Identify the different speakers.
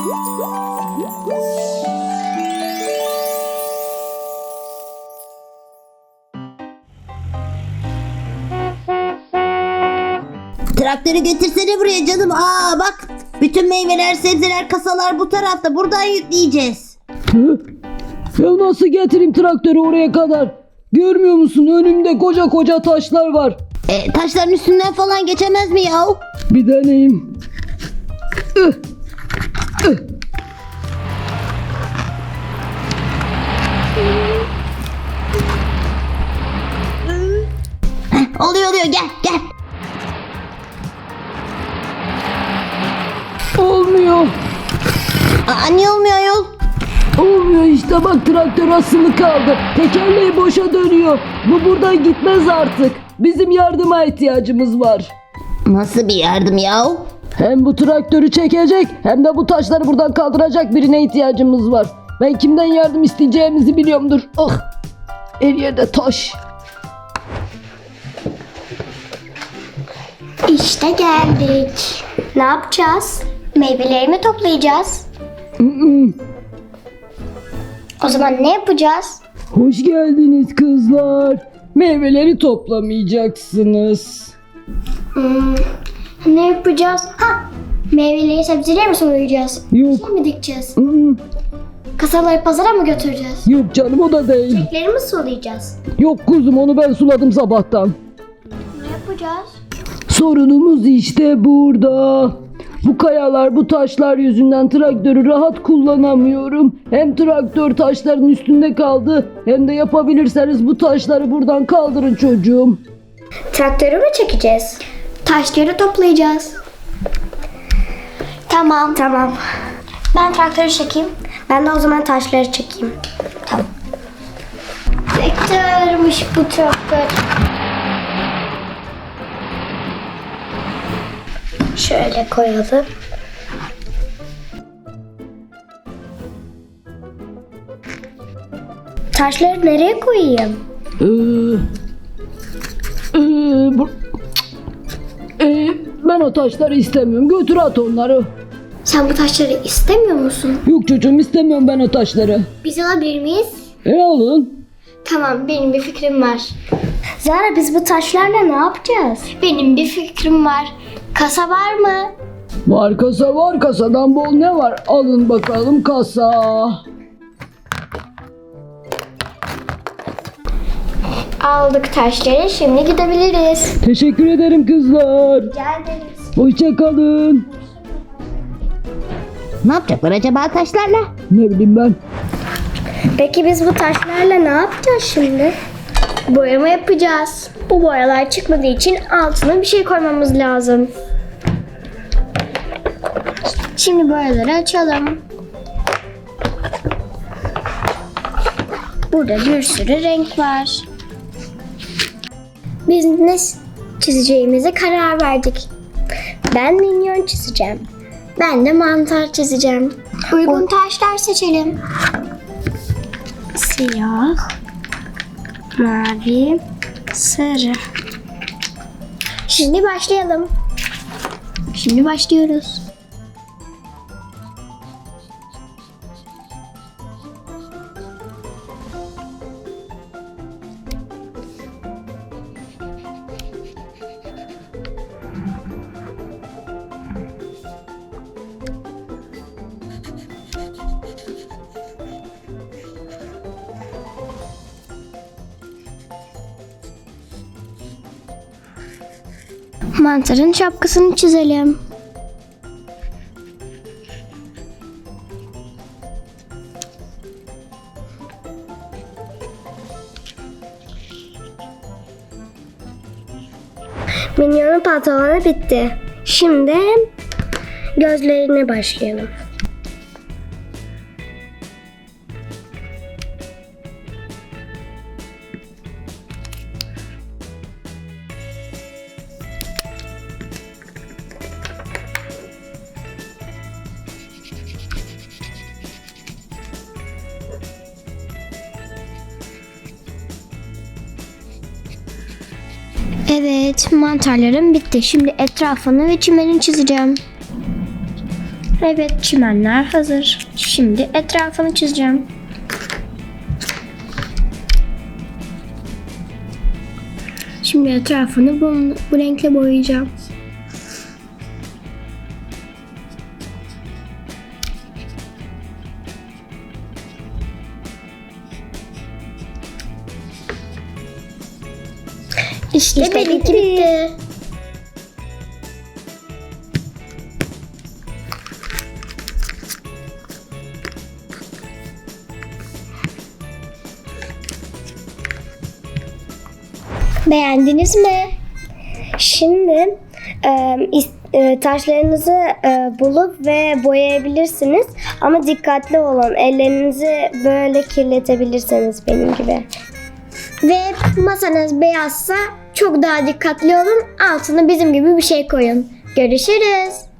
Speaker 1: Traktörü getirsene buraya canım. Aa bak, bütün meyveler, sebzeler, kasalar bu tarafta. Buradan yükleyeceğiz.
Speaker 2: Ya nasıl getireyim traktörü oraya kadar? Görmüyor musun? Önümde koca koca taşlar var.
Speaker 1: Taşların üstünden falan geçemez mi ya?
Speaker 2: Bir deneyeyim.
Speaker 1: Oluyor gel gel.
Speaker 2: Olmuyor.
Speaker 1: Niye olmuyor yol?
Speaker 2: Olmuyor işte, bak traktör asılı kaldı. Tekerleği boşa dönüyor. Bu buradan gitmez artık. Bizim yardıma ihtiyacımız var.
Speaker 1: Nasıl bir yardım ya?
Speaker 2: Hem bu traktörü çekecek hem de bu taşları buradan kaldıracak birine ihtiyacımız var. Ben kimden yardım isteyeceğimizi biliyorumdur. Ah! Her yerde taş.
Speaker 3: İşte geldik. Ne yapacağız? Meyveleri mi toplayacağız? O zaman ne yapacağız?
Speaker 2: Hoş geldiniz kızlar. Meyveleri toplamayacaksınız.
Speaker 3: Ne yapacağız? Meyveleri sebzeleri mi soyacağız?
Speaker 2: Yok.
Speaker 3: Şey mi dikeceğiz?
Speaker 2: Mm,
Speaker 3: Kasaları pazara mı götüreceğiz?
Speaker 2: Yok canım, o da değil.
Speaker 3: Çiçekleri mi sulayacağız?
Speaker 2: Yok kuzum, onu ben suladım sabahtan.
Speaker 3: Ne yapacağız?
Speaker 2: Sorunumuz işte burada. Bu kayalar, bu taşlar yüzünden traktörü rahat kullanamıyorum. Hem traktör taşların üstünde kaldı, hem de yapabilirseniz bu taşları buradan kaldırın çocuğum.
Speaker 3: Traktörü mü çekeceğiz? Taşları toplayacağız. Tamam. Ben traktörü çekeyim. Ben de o zaman taşları çekeyim. Tamam. Traktörmüş bu traktör. Şöyle koyalım. Taşları nereye koyayım?
Speaker 2: Bu- Ben o taşları istemiyorum. Götür at onları.
Speaker 3: Sen bu taşları istemiyor musun?
Speaker 2: Yok çocuğum, istemiyorum ben o taşları.
Speaker 3: Biz alabilir miyiz?
Speaker 2: Alın.
Speaker 3: Tamam, benim bir fikrim var. Zara, biz bu taşlarla ne yapacağız? Benim bir fikrim var. Kasa var mı?
Speaker 2: Var kasa var, kasadan bol ne var? Alın bakalım kasa.
Speaker 3: Aldık taşları, şimdi gidebiliriz.
Speaker 2: Teşekkür ederim kızlar.
Speaker 3: Rica ederiz.
Speaker 2: Hoşça kalın.
Speaker 1: Ne yapacaklar acaba taşlarla?
Speaker 2: Ne bileyim ben.
Speaker 3: Peki biz bu taşlarla ne yapacağız şimdi? Boyama yapacağız. Bu boyalar çıkmadığı için altına bir şey koymamız lazım. Şimdi boyaları açalım. Burada bir sürü renk var. Biz ne çizeceğimize karar verdik. Ben minyon çizeceğim. Ben de mantar çizeceğim. Uygun taşlar seçelim. Siyah, mavi, sarı. Şimdi başlayalım. Şimdi başlıyoruz. Mantarın şapkasını çizelim. Minyonun pantolonu bitti. Şimdi gözlerine başlayalım. Evet, mantarlarım bitti. Şimdi etrafını ve çimenini çizeceğim. Evet, çimenler hazır. Şimdi etrafını çizeceğim. Şimdi etrafını bu renkle boyayacağım. İşte benimki bitti. Beğendiniz mi? Şimdi taşlarınızı bulup ve boyayabilirsiniz. Ama dikkatli olun. Ellerinizi böyle kirletebilirsiniz benim gibi. Ve masanız beyazsa çok daha dikkatli olun. Altına bizim gibi bir şey koyun. Görüşürüz.